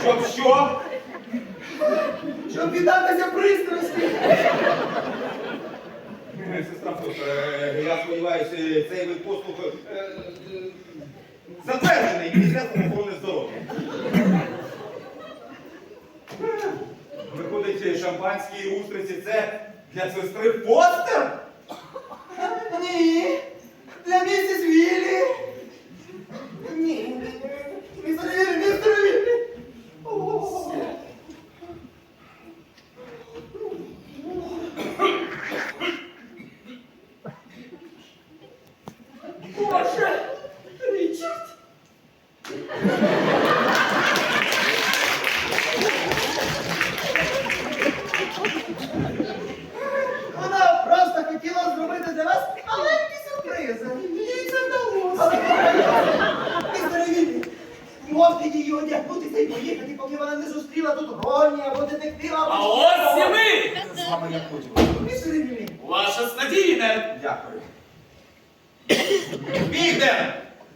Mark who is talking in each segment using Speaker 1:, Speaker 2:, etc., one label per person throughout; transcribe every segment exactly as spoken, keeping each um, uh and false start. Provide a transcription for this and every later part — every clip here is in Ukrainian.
Speaker 1: Щоб що?
Speaker 2: Щоб віддатися пристрасті.
Speaker 1: Сестра Фоса, я сподіваюся, цей вид послуг е, е, затверджений Міністерством охорони здоров'я. Виходить, шампанські устриці – це для сестри Фостер?
Speaker 2: Ні. Для місіс Віллі. Ні. Містер Віллі, містер Віллі. О. Боже, Річард. Вона просто хотіла зробити для вас маленький сюрприз. Їй це вдалося. Містере Віллі, можете її одягнутися і поїхати, поки вона не зустріла тут Ронні або детектива.
Speaker 3: А
Speaker 2: або
Speaker 3: ось і
Speaker 2: чого.
Speaker 3: ви!
Speaker 1: З вами я хочу.
Speaker 2: Містере Віллі.
Speaker 3: Ваше стадійне!
Speaker 1: Дякую. Бігден!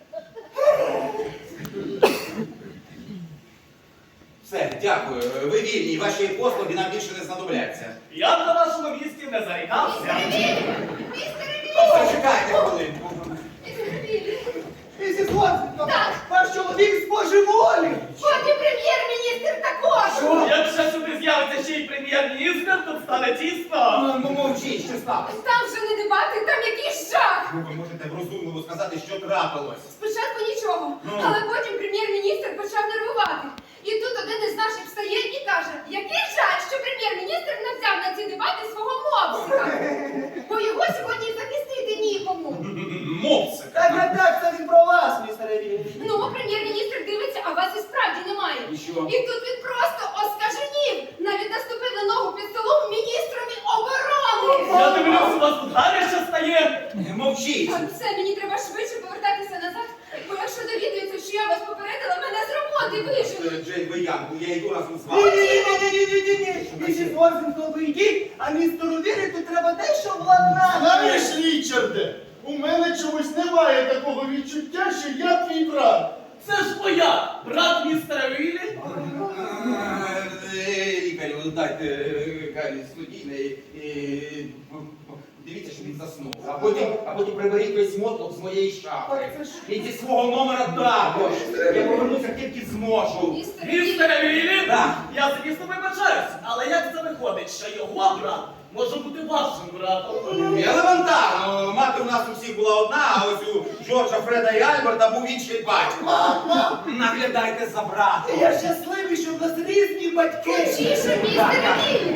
Speaker 1: Все, дякую. Ви вільні, ваші послуги нам більше не знадобляться.
Speaker 3: Я б на вашому місці не зарікався.
Speaker 1: Зачекайте хвилинку.
Speaker 2: Місіс Уотсон,
Speaker 4: Так.
Speaker 2: ваш чоловік збожеволів.
Speaker 4: Потім прем'єр-міністр також.
Speaker 3: Якщо сюди з'явиться ще й прем'єр-міністр, то стане тісно.
Speaker 1: Ну, мовчіть, що сталося?
Speaker 4: Там вже не дебати, там якийсь жах.
Speaker 1: Ну, ви можете розумливо сказати, що трапилось.
Speaker 4: Спочатку нічого,
Speaker 1: Ну.
Speaker 4: але потім прем'єр-міністр почав нервувати. І тут один із наших встає і каже, який жаль, що прем'єр-міністр не взяв на ці дебати свого мопсика. Бо його сьогодні захистити нікому.
Speaker 1: Мопсик.
Speaker 2: Так, так, так, це він про вас, містере Віллі.
Speaker 4: Ну, прем'єр-міністр дивиться, а вас і справді немає.
Speaker 1: І що?
Speaker 4: І тут він просто оскаженів. Навіть наступив на ногу під столом міністрові оборони.
Speaker 3: Я дивлюсь, у вас тут гаряче стає.
Speaker 1: Мовчіть.
Speaker 4: А Все, мені треба швидше повертатися назад, бо якщо довідується, що я вас попередила, мене з роботи виженуть.
Speaker 1: Джейн Виянку, я йду разом з
Speaker 2: Ні, ні,
Speaker 1: вами.
Speaker 2: ні, ні, ні, ні, ні. Місіс Уотсон, ви йдіть, а містеру Віллі тут треба дещо владнати.
Speaker 5: Знаєш, Річарде, у мене чомусь немає такого відчуття, що я твій брат.
Speaker 3: Це ж моя, брат містера Віллі.
Speaker 1: Е, Лікарю, дайте е, Гаррі студійний і дивіться, щоб він заснув. А потім, а потім приберіть весь мотлок з моєї шафи. І зі свого номера також. Я повернуся тільки зможу.
Speaker 4: Містер
Speaker 3: Містера Віллі?
Speaker 1: Так.
Speaker 3: Я, звісно, вибачаюсь, але як це виходить, що його брат може бути вашим братом?
Speaker 1: Елементарно. Мати у нас у всіх була одна, а ось у Джорджа, Фреда і Альберта був інший батько.
Speaker 2: Мама,
Speaker 1: Наглядайте за братом.
Speaker 2: я щасливий, що в нас різні батьки.
Speaker 4: Тише, містер Віллі!